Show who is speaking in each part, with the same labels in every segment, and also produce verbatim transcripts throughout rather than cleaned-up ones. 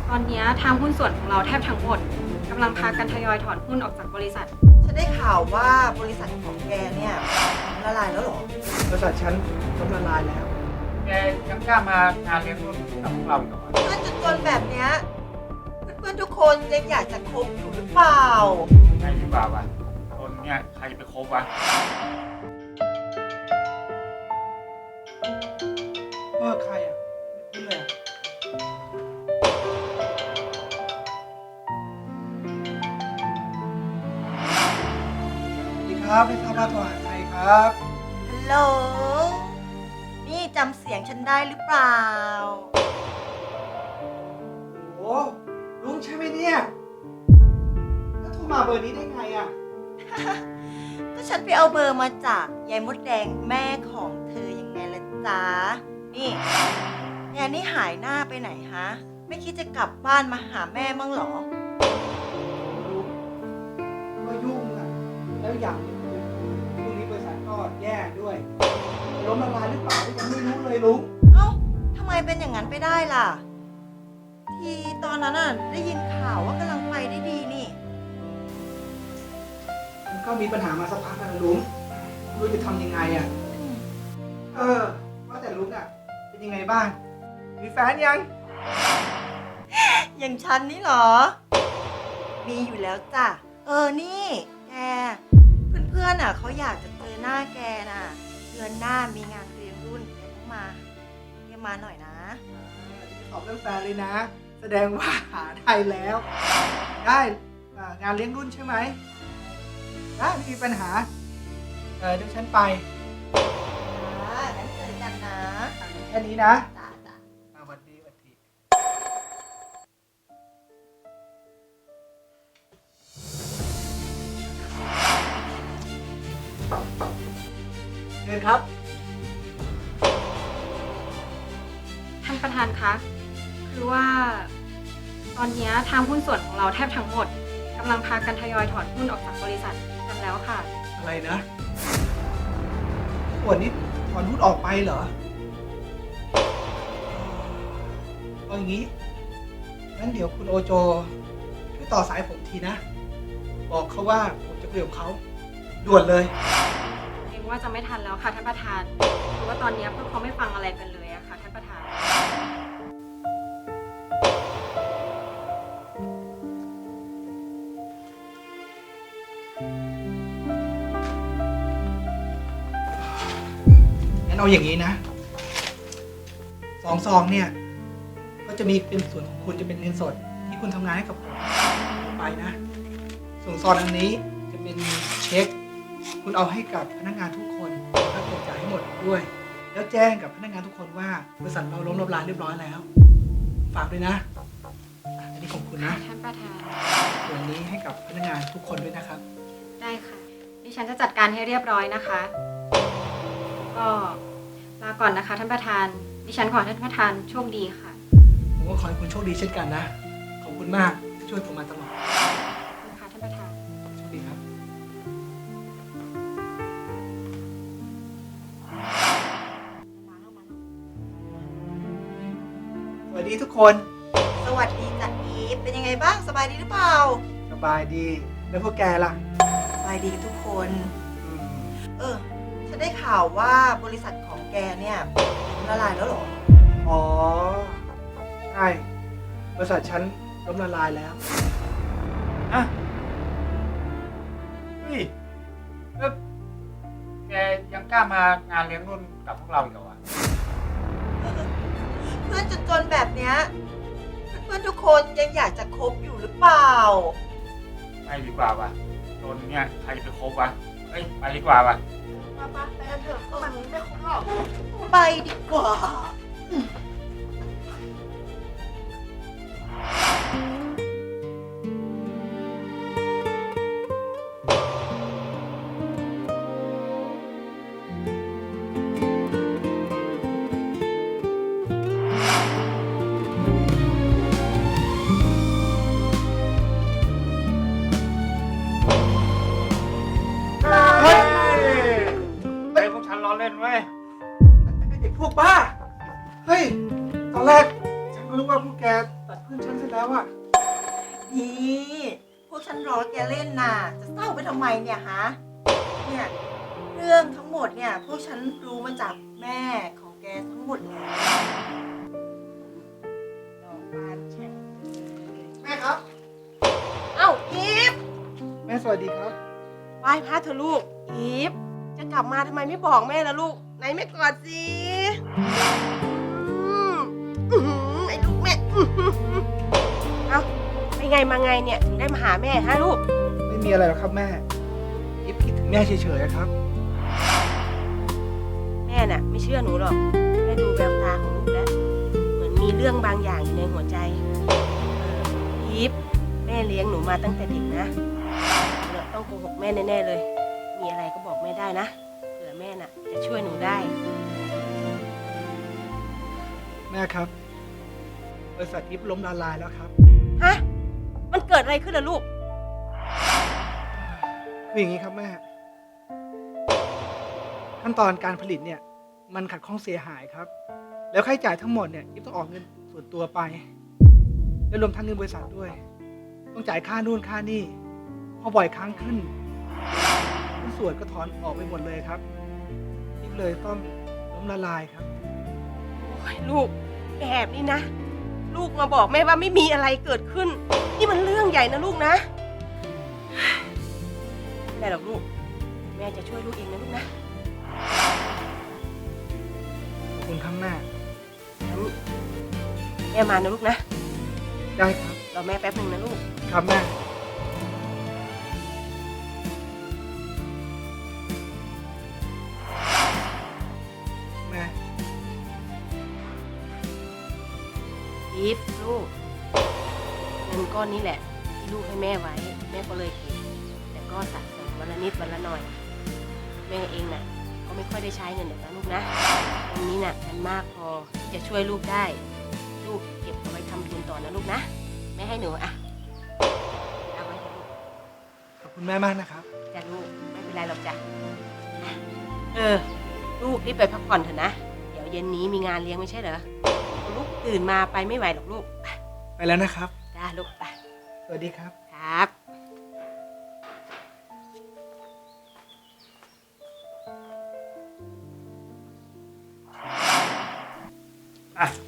Speaker 1: ตอนนี้ทางหุ้นส่วนของเราแทบทั้งหมดกำลังพากันทยอยถอนหุ้นออกจากบริษัท
Speaker 2: ฉันได้ข่าวว่าบริษัทของแกเนี่ยละลายแล้วเหรอบ
Speaker 3: ริษัทฉันล้มละลายแล้วแกยังกล้ามางานเลี้ยงรุ่นกับพวกเราอีกเหรอ
Speaker 2: เพื่อนจนๆแบบเนี้ยเพื่อนๆทุกคนยังอยากจะคบอยู่หรือเปล่า
Speaker 3: ไม่ดีกว่าวะคนเนี่ยใครจะไปคบวะเออใครอ่ะไม่รู้เลยอะสวัสดีครับไม่ทราบว่าโทรหาใครครับ
Speaker 2: ฮัลโหล นี่จำเสียงฉันได้หรือเปล่า
Speaker 3: โอ้ลุงใช่ไหมเนี่ยแล้วโทรมาเบอร์นี้ได้ไงอ่ะ
Speaker 2: ก็ฉันไปเอาเบอร์มาจากยายมดแดงแม่ของเธอยังไงล่ะจ๊ะ นี่แกนี่หายหน้าไปไหนฮะ ไม่คิดจะกลับบ้านมาหาแม่มั้งเหรอ
Speaker 3: ก็ยุ่งอ่ะ แล้วอย่างหนึ่งคือพรุ่งนี้บริษัทก็แย่ด้วยล้มละลายหรือเปล่ายังไม่รู้เลยลุง
Speaker 2: เอ้าทำไมเป็นอย่างนั้นไปได้ล่ะ ทีตอนนั้นน่ะได้ยินข่าวว่ากำลังไปได้ดีนี่
Speaker 3: มันก็มีปัญหามาสักพักแล้วนะลุงไม่รู้จะทำยังไงอ่ะ เออ ว่าแต่ลุงอ่ะ เป็นยังไงบ้าง มีแฟนยัง
Speaker 2: อย่างฉันนี่เหรอ มีอยู่แล้วจ้ะ เออ นี่แก เพื่อนๆอ่ะเขาอยากจะเจอหน้าแกน่ะ เดือนหน้ามีงานเลี้ยงรุ่นแกต้องมาแกมาหน่อยนะ
Speaker 3: ตอบเรื่องแฟนเลยนะ แสดงว่าหาได้แล้ว ได้อ่างานเลี้ยงรุ่นใช่ไหม ได้ไม่มีปัญหา เออเดี๋ยวฉันไป
Speaker 2: อ่างั้นเจอกันนะ
Speaker 3: อ่ะแค่นี้นะ
Speaker 2: จ้าจ้า
Speaker 3: อ่ะสวัสดีสวัสดีเชิญครับ
Speaker 1: ท่านประธานคะคือว่า ตอนนี้ทางหุ้นส่วนของเราแทบทั้งหมดกำลังพากันทยอยถอนหุ้นออกจากบริษัทกันแล้วค่ะ
Speaker 3: อะไรนะส่วนนี้ถอนหุ้นออกไปเหรอเอาอย่างนี้ งั้นเดี๋ยวคุณโอโจช่วยต่อสายผมทีนะ บอกเขาว่าผมจะคุยกับเขาด่วนเลย
Speaker 1: เองว่าจะไม่ทันแล้วค่ะท่านประธานเพราะว่าตอนนี้พวกเขาไม่ฟังอะไรกันเลยอะค่ะท่านประธาน
Speaker 3: งั้นเอาอย่างนี้นะสองซองเนี่ย ก็จะมีเป็นส่วนของคุณจะเป็นเงินสด ที่คุณทำงานให้กับผมไปนะ ส่วนซองอันนี้จะเป็นเช็ค คุณเอาให้กับพนักงานทุกคนแล้วก็จ่ายให้หมดด้วย แล้วแจ้งกับพนักงานทุกคนว่าบริษัทเราล้มละลายเรียบร้อยแล้ว ฝากด้วยนะอ่ะอันนี้ของคุณนะ
Speaker 1: ท่านประธาน
Speaker 3: ส่วนนี้ให้กับพนักงานทุกคนด้วยนะครับ
Speaker 1: ได้ค่ะ ดิฉันจะจัดการให้เรียบร้อยนะคะ ก็ลาก่อนนะคะท่านประธาน ดิฉันขอให้ท่านประธานโชคดีค่ะ
Speaker 3: ผมก็ขอให้คุณโชคดีเช่นกันนะ ขอบคุณมากที่ช่วยผมมาตลอด
Speaker 1: ขอบคุณค่ะท่านประธาน
Speaker 3: โชคดีครับ สวัสดีทุกคน
Speaker 2: สวัสดีจ้ะอีฟเป็นยังไงบ้าง สบายดีหรือเปล่า
Speaker 3: สบายดี แล้วพวกแกล่ะ
Speaker 2: สบายดีกันทุกคน
Speaker 3: อืม
Speaker 2: เออ ฉันได้ข่าวว่าบริษัทของแกเนี่ยละลายแล้วเหรอ
Speaker 3: อ๋อ ใช่ บริษัทฉันล้มละลายแล้วอะเฮ้ยแล้วแกยังกล้ามางานเลี้ยงรุ่นกับพวกเราอีกเหรอวะ
Speaker 2: เพื่อนจนๆแบบเนี้ยเพื่อนๆทุกคนยังอยากจะคบอยู่หรือเปล่า
Speaker 3: ไม่ดีกว่าวะโดนเนี่ยใครจะไปคบวะ เอ้ย ไปดีกว่าวะ
Speaker 2: มาปะไปกันเถอะมันไม่คบหรอกไปดีกว่า
Speaker 3: เฮ้ยไอ้พวกฉันล้อเล่นเว้ยไอ้พวกบ้า เฮ้ยตัดเพื่อนฉันเสร็จแล้วอะ
Speaker 2: นี่พวกฉันรอแกเล่นน่ะ จะเศร้าไปทำไมเนี่ยฮะ เนี่ย เรื่องทั้งหมดเนี่ย พวกฉันรู้มาจากแม่ของแกทั้งหมดแล้วดอกบานแฉ่งเลย
Speaker 3: แม่ครับ
Speaker 2: เอ้าอีฟ
Speaker 3: แม่สวัสดีครับ
Speaker 4: ไหว้พระเถอะลูก อีฟ จะกลับมาทำไมไม่บอกแม่ล่ะลูก ไหนแม่กอดสิอืมอื้อหือไอ้ลูกแม่อื้อหือเอ้าไปไงมาไงเนี่ยถึงได้มาหาแม่ฮะลูก
Speaker 3: ไม่มีอะไรหรอกครับแม่อิฟคิดถึงแม่เฉยๆอะครับ
Speaker 4: แม่น่ะ ไม่เชื่อหนูหรอกแม่ดูแววตาของลูกแล้ว เหมือนมีเรื่องบางอย่างอยู่ในหัวใจเอออีฟแม่เลี้ยงหนูมาตั้งแต่เด็กนะหนูต้องโกหกแม่แน่ๆเลย มีอะไรก็บอกแม่ได้นะเผื่อแม่น่ะ จะช่วยหนูได้
Speaker 3: แม่ครับ บริษัทอิฟล้มละลายแล้วครับ
Speaker 4: ฮะ มันเกิดอะไรขึ้นล่ะลูก
Speaker 3: คืออย่างนี้ครับแม่ ขั้นตอนการผลิตเนี่ย มันขัดข้องเสียหายครับ แล้วค่าใช้จ่ายทั้งหมดเนี่ยอิฟต้องออกเงินส่วนตัวไป และรวมทั้งเงินบริษัทด้วย ต้องจ่ายค่านู่นค่านี่พอบ่อยครั้งขึ้นหุ้นส่วนก็ถอนออกไปหมดเลยครับอิฟเลยต้องล้มละลายครับ
Speaker 4: โอ้ยลูกแบบนี้นะ ลูกมาบอกแม่ว่าไม่มีอะไรเกิดขึ้น นี่มันเรื่องใหญ่นะลูกนะไม่ได้หรอกลูก แม่จะช่วยลูกเองนะลูกนะ
Speaker 3: ขอบคุณครับแม่
Speaker 4: งั้นแม่มานะลูกนะ
Speaker 3: ได้ครับ
Speaker 4: รอแม่แป๊บหนึ่งนะลูก
Speaker 3: ครับแม่ แม่
Speaker 4: อีฟลูกเงินก้อนนี้แหละที่ลูกให้แม่ไว้ แม่ก็เลยเก็บแต่ก็สะสมวันละนิดวันละหน่อย แม่เองน่ะ ก็ไม่ค่อยได้ใช้เงินเดี๋ยวนะลูกนะวันนี้น่ะมันมากพอที่จะช่วยลูกได้ ลูกเก็บเอาไว้ทำทุนต่อนะลูกนะแม่ให้หนูอ่ะเอาไว้เถอะลูก
Speaker 3: ขอบคุณแม่มากนะครับ
Speaker 4: จ้ะลูกไม่เป็นไรหรอกจ้ะอ่ะเออ ลูกรีบไปพักผ่อนเถอะนะเดี๋ยวเย็นนี้มีงานเลี้ยงไม่ใช่เหรอลูกตื่นมาไปไม่ไหวหรอกลูกไป
Speaker 3: ไปแล้วนะครับ
Speaker 4: จ้าลูกไป
Speaker 3: สวัสดีครับ
Speaker 4: ครับ
Speaker 5: อ่ะ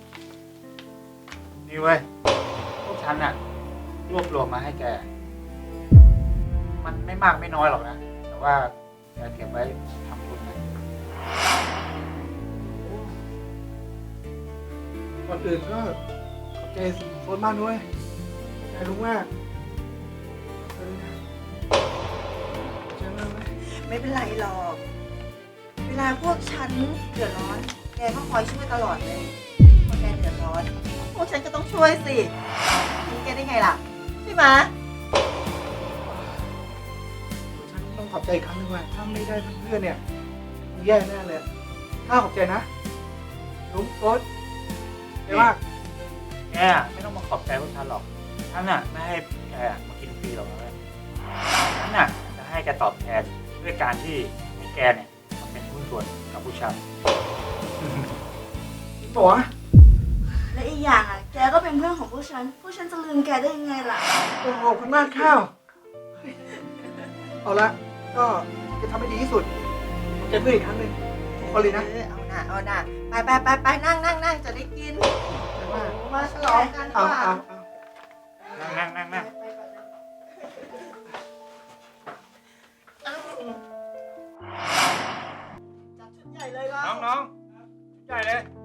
Speaker 5: นี่เว้ย พวกฉันน่ะ รวบรวมมาให้แก มันไม่มากไม่น้อยหรอกนะ แต่ว่าแกเก็บไว้ทำทุนนะ
Speaker 3: ก่อนอื่นก็ขอบใจโฟนมากด้วยขอบใจลุงมากขอบใจนะขอบใจมากไหม
Speaker 2: ไม่เป็นไรหรอก เวลาพวกฉันเดือดร้อน แกก็คอยช่วยตลอดเลยพอแกเดือดร้อน พวกฉันก็ต้องช่วยสิทิ้งแกได้ไงล่ะ ใช่ไหม
Speaker 3: ฉันต้องขอบใจอีกครั้งหนึงว่าถ้าไม่ได้เพื่อนๆเนี่ยคงแย่แน่เลยข้าขอบใจนะลุงโฟนใจมาก
Speaker 5: แกไม่ต้องมาขอบใจพวกฉันหรอก ฉันน่ะไม่ให้แกมากินฟรีหรอกนะเว้ยฉันน่ะจะให้แกตอบแทนด้วยการที่ให้แกเนี่ยมาเป็นหุ้นส่วนกับผู้ชาย
Speaker 3: จริงปะวะ
Speaker 6: และอีกอย่างอ่ะ แกก็เป็นเพื่อนของพวกฉัน พวกฉันจะลืมแกได้ยังไงล่ะ
Speaker 3: โอ้โหขอบคุณมากข้าวเอาละก็จะทำให้ดีที่สุดขอบใจเพื่อนอีกครั้งหนึ่งทุกคนเลยนะ
Speaker 2: เออเอาหน่ะเอาหน่ะไปไปไปไปนั่งนั่งนั่งจะได้กิน
Speaker 3: ขอบใจมาก
Speaker 2: มาฉลองกันดี
Speaker 3: เอา
Speaker 2: กว่า
Speaker 3: เอาเอา
Speaker 5: นั่งนั่งนั่งนั่ง
Speaker 2: ไปก่อนเลยจัดชุดใหญ่เลยเรา
Speaker 5: น้องน้องใหญ่เลย